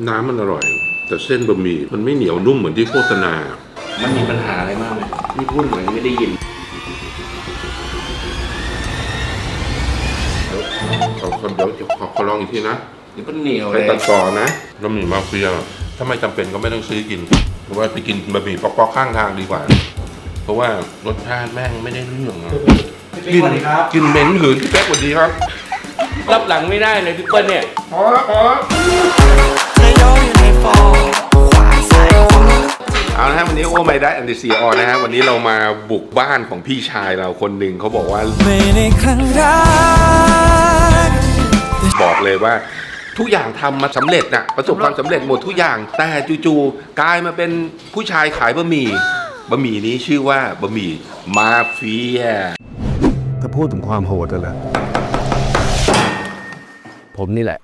น้ำมันอร่อยแต่เส้นบะหมี่มันไม่เหนียวนุ่มเหมือนที่โฆษณามันมีปัญหาอะไรมากไหมนี่พูดเหมือนไม่ได้ยินเดี๋ยวขอลองอีกทีนะนี่ก็เหนียวเลไปยตัดต่อนะบะหมี่มาเฟียถ้าไม่จำเป็นก็ไม่ต้องซื้อกินเพราะว่าไปกินบะหมี่ป๊อกๆข้างทางดีกว่าเพราะว่ารสชาติแม่งไม่ได้เรื่องกินเหม็นหืนพี่เป๊กสวัสดีครับรับหลังไม่ได้เลยพี่เปิ้ลเนี่ยพอแล้วเอาละฮะวันนี้โอ้ไม่ได้อันดิซีออนนะฮะวันนี้เรามาบุกบ้านของพี่ชายเราคนหนึ่งเขาบอกว่าบอกเลยว่าทุกอย่างทำมาสำเร็จน่ะประสบความสำเร็จหมดทุกอย่างแต่จู่ๆกลายมาเป็นผู้ชายขายบะหมี่นี้ชื่อว่าบะหมี่มาเฟียถ้าพูดถึงความโหดเลยผมนี่แหละ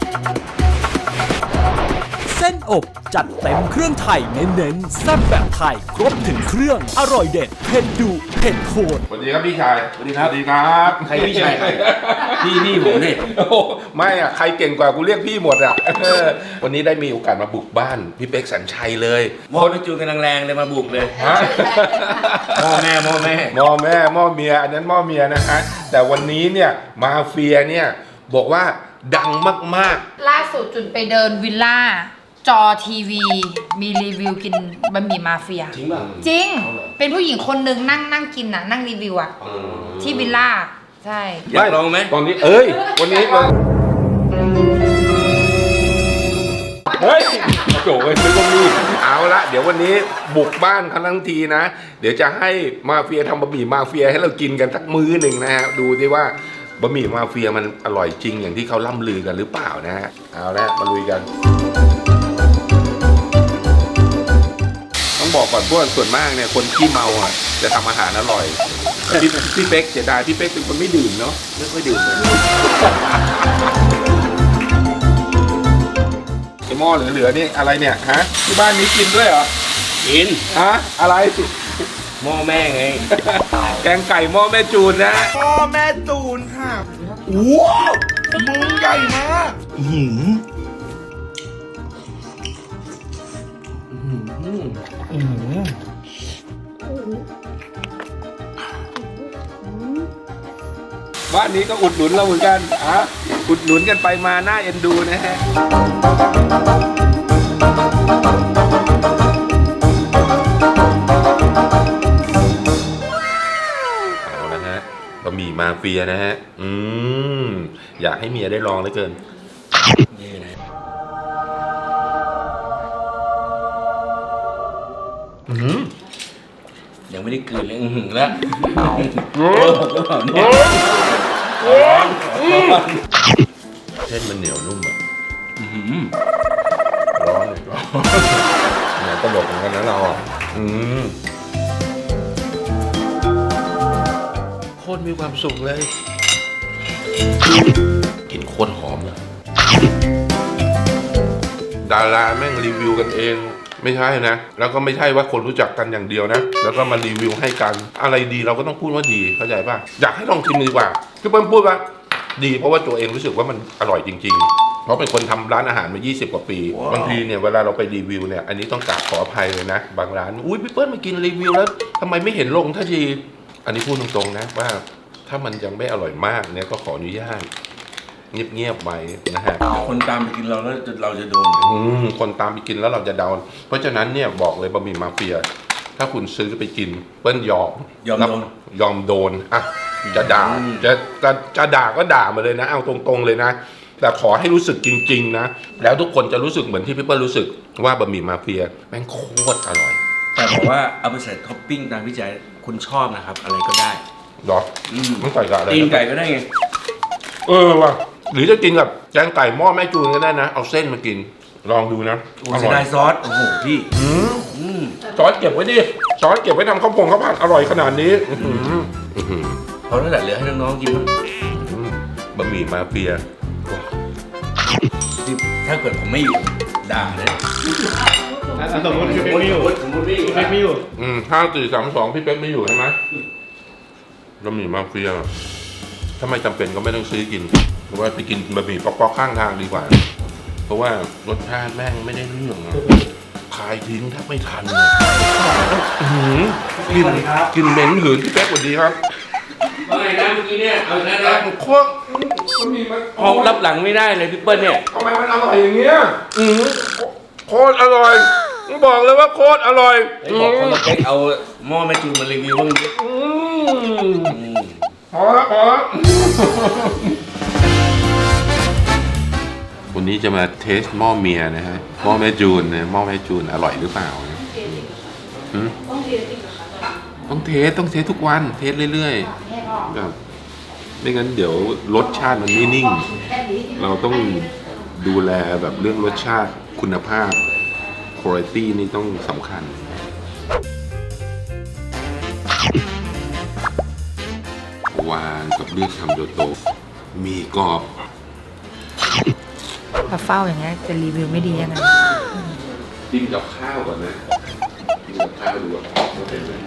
เส้นอบจัดเต็มเครื่องไทยเน้นๆแซ่บแบบไทยครบถึงเครื่องอร่อยเด็ดเผ็ดดุเผ็ดโคตรสวัสดีครับพี่ชายสวัสดีครับสวัสดีครับใครพี่ชายใครพี่ผมเนี่ยไม่อ่ะใครเก่งกว่ากูเรียกพี่หมดอ่ะวันนี้ได้มีโอกาสมาบุกบ้านพี่เป๊กสัญชัยเลยมอไปจูนกันแรงๆเลยมาบุกเลยหม้อแม่หม้อเมียอันนั้นหม้อเมียนะฮะแต่วันนี้เนี่ยมาเฟียเนี่ยบอกว่าดังมากๆล่าสุดจุดไปเดินวิลล่าจอทีวีมีรีวิวกินบะหมี่มาเฟียจริงป่ะจริงเป็นผู้หญิงคนหนึ่งนั่งกินน่ะนั่งรีวิวอ่ะที่วิลล่าใช่อยากลองไหมตอนนี้วันนี้เฮ้ยโจ้ยซื้อก็มีเอาละเดี๋ยววันนี้บุกบ้านทั้งทีนะเดี๋ยวจะให้มาเฟียทำบะหมี่มาเฟียให้เรากินกันสักมื้อหนึ่งนะฮะดูดิว่าบะหมี่มาเฟียมันอร่อยจริงอย่างที่เขาล่ำลือกันหรือเปล่านะฮะเอาละมาลุยกันต้องบอกก่อนพวกส่วนมากเนี่ยคนขี้เมาอ่ะจะทำอาหารอร่อยพี่เป๊กเสียดายพี่เป๊กเป็นคนไม่ดื่มเนาะไม่ค่อยดื่มเลยไอ้หม้อเหลือๆนี่อะไรเนี่ยฮะที่บ้านนี้กินด้วยเหรอกินฮะอะไรหม้อแม่ไงแกงไก่หม้อแม่จูนนะพ่อแม่จูนค่ะว้าวมึงใหญ่มากบ้านนี้ก็อุดหนุนเราเหมือนกันอุดหนุนกันไปมาหน้าเอ็นดูนะฮะเอาละฮะบะหมี่มาเฟียนะฮะอยากให้เมียได้ลองเหลือเกินยังไม่ได้กลืนเลยแล้วเส้นมันเหนียวนุ่มอ่ะร้อนเลยเนี่ยตลกเหมือนกันนะเราอ่ะโคตรมีความสุขเลยกลิ่นโคตรหอมเลยดาราแม่งรีวิวกันเองไม่ใช่นะแล้วก็ไม่ใช่ว่าคนรู้จักกันอย่างเดียวนะแล้วก็มารีวิวให้กันอะไรดีเราก็ต้องพูดว่าดีเข้าใจป่ะอยากให้ลองชิมดีกว่าคือเปิ้ลพูดว่าดีเพราะว่าตัวเองรู้สึกว่ามันอร่อยจริงๆเพราะเป็นคนทำร้านอาหารมา20 กว่าปีบางทีเนี่ยเวลาเราไปรีวิวเนี่ยอันนี้ต้องกราบขออภัยเลยนะบางร้านอุ้ยพี่เปิ้ลมากินรีวิวแล้วทำไมไม่เห็นลงทันทีอันนี้พูดตรงๆนะว่าถ้ามันยังไม่อร่อยมากเนี่ยก็ขออนุญาตเงียบๆไว้นะฮะคนตามไปกินเราแล้วเราจะโดนคนตามไปกินแล้วเราจะดาวน์เพราะฉะนั้นเนี่ยบอกเลยบะหมี่มาเฟียถ้าคุณซื้อไปกินเปิ้ลยอมโดนอ่ะจะด่าจะด่าก็ด่ามาเลยนะเอาตรงๆเลยนะแต่ขอให้รู้สึกจริงๆนะแล้วทุกคนจะรู้สึกเหมือนที่พี่เปิ้ลรู้สึกว่าบะหมี่มาเฟียแม่งโคตรอร่อยแต่บอกว่าเอาไปใส่ท็อปปิ้งตามวิจัยคุณชอบนะครับอะไรก็ได้หรอไม่ใส่กับอะไรตีนไก่ก็ได้ไงว่ะหรือจะกินกับแกงไก่หม้อแม่จูนก็ได้นะเอาเส้นมากินลองดูนะอร่อยซอสโอ้โหพี่ซอสเก็บไว้ดิซอสเก็บไว้ทำข้าวผัดอร่อยขนาดนี้เขาตั้งแต่เหลือให้น้องๆกินบะหมี่มาเฟียถ้าเกิดผมไม่อยู่ด่าเลยสมมติพี่เป๊กไม่อยู่ 5 4 3 2พี่เป๊กไม่อยู่ใช่ไหมบะหมี่มาเฟียถ้าไม่จำเป็นก็ไม่ต้องซื้อกินหรือว่าไปกินบะหมี่ป๊อกๆข้างทางดีกว่าราะว่ารสชาติแม่งไม่ได้เรื่องอะขายทิ้งแทบไม่ทันเลยอื้อหือกลินเหม็นหืนพี่เป๊กสวัสดีครับว่าไงนะเมื่อกี้เนี่ยเอานะนะโคตรมันมีมันพอรับหลังไม่ได้เลยพี่เปิ้ลเนี่ยทำไมมันอร่อยอย่างเงี้ยโคตรอร่อยต้องบอกเลยว่าโคตรอร่อยไอ้บอกคนละเป๊กเอาหม้อแม่จูนมารีวิวบ้างดิพอแล้วพอแล้ววันนี้จะมาเทสหม้อเมียนะฮะหม้อแม่จูนนะหม้อแม่จูนอร่อยหรือเปล่านะต้องเทสทุกวันเทสเรื่อยๆแบบไม่งั้นเดี๋ยวรสชาติมันไม่นิ่ง เราต้องดูแลแบบเรื่องรสชาติคุณภาพคุณภาพนี่ต้องสำคัญวานกับเลือดคำโดโตมีกรอบถ้าเฝ้าอย่างเงี้ยจะรีวิวไม่ดียังไงกินกับข้าวก่อนนะกินกับข้าวดูว่าเป็นไง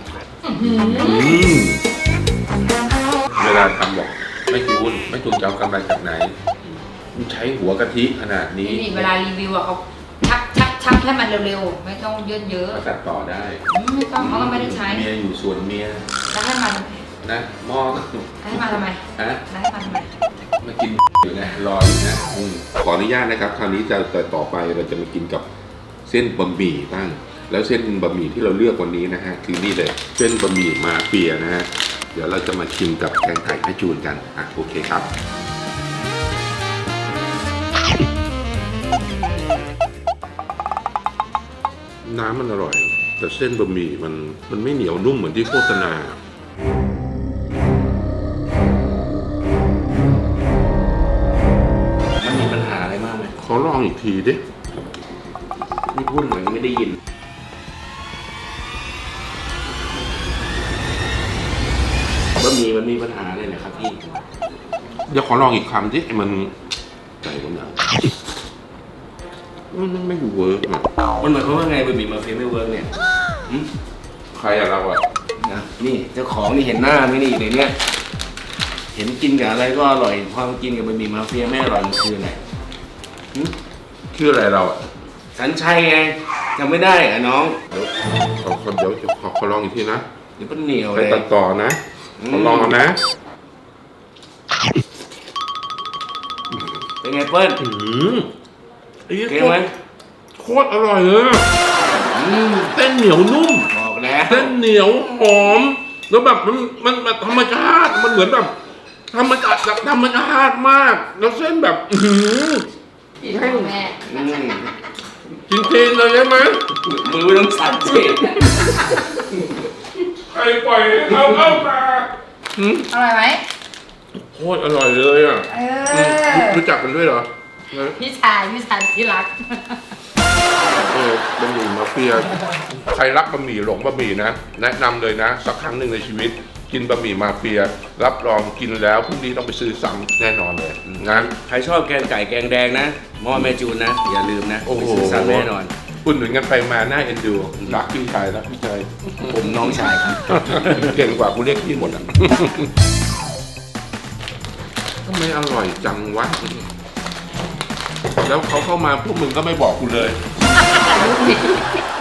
เวลาทำบอกไม่จูนจะเอากำไรจากไหนมันใช้หัวกะทิขนาดนี้นี่เวลารีวิวอะเขาชักให้มันเร็วๆ ไม่ต้องเยอะก็ตัดต่อได้ๆไม่ต้องเขาก็ไม่ได้ใช้เมียอยู่ส่วนเมียแล้วให้มันนะหม้อให้มันทำไมฮะแล้วให้มันทำไมมากินอยู่นะรออยู่นะขออนุญาตนะครับคราวนี้จะต่อไปเราจะมากินกับเส้นบะหมี่บ้างแล้วเส้นบะหมี่ที่เราเลือกวันนี้นะฮะคือนี่เลยเส้นบะหมี่มาเฟียนะฮะเดี๋ยวเราจะมาชิมกับแกงไก่แม่จูนกันโอเคครับน้ำมันอร่อยแต่เส้นบะหมี่มันไม่เหนียวนุ่มเหมือนที่โฆษณามันมีปัญหาอะไรมากไหมขอลองอีกทีดินี่พูดเหมือนไม่ได้ยินบะหมี่มันมีปัญหาอะไรนะครับพี่เดี๋ยวขอลองอีกคำดิมันใจผมนะมันไม่เวิร์กอ่ะมันหมายความว่าไงบะหมี่มาเฟียไม่เวิร์กเนี่ยหืมใครอะเราอะนะนี่เจ้าของนี่เห็นหน้าไหมนี่ในเนี้ยเห็นกินกับอะไรก็อร่อยพอมากินกับบะหมี่มาเฟียไม่อร่อยมันคืออะไรหืมชื่ออะไรเราอะสัญชัยไงจำไม่ได้อะน้องเดี๋ยวขอลองอีกทีนะเดี๋ยวเป็นเหนียวไปเลยตัดต่อนะขอลองเอานะเป็นไงเปิ้ลไอ้เก่งไหมโคตรอร่อยเลยอะเส้นเหนียวนุ่มบอกแล้วเส้นเหนียวหอมแล้วแบบมันแบบธรรมชาติมันเหมือนแบบธรรมชาติมากแล้วเส้นแบบแม่อืมจริงๆเลยใช่ไหมมือไม่ต้องสั่นสิใครปล่อยให้เขาเข้ามาอร่อยไหมโคตรอร่อยเลยอ่ะ รู้จักกันด้วยเหรอพี่ชายที่รักบะหมี่มาเฟียใครรักบะหมี่หลงบะหมี่นะแนะนำเลยนะสักครั้งหนึ่งในชีวิต กินบะหมี่มาเฟียรับรองกินแล้วพรุ่งนี้ต้องไปซื้อซ้ำแน่นอนเลยนะใครชอบแกงไก่แกงแดงนะหม้อแม่จูนนะ อย่าลืมนะโอ้โหไปซื้อซ้ำแน่นอนอุ่นหนุนกันไปมาหน้าเอ็นดูรักพี่ชายรักพี่ชายผมน้องชายครับเก่งกว่ากูเรียกพี่หมดอ่ะทำไมอร่อยจังวะแล้วเขาเข้ามาพวกมึงก็ไม่บอกกูเลย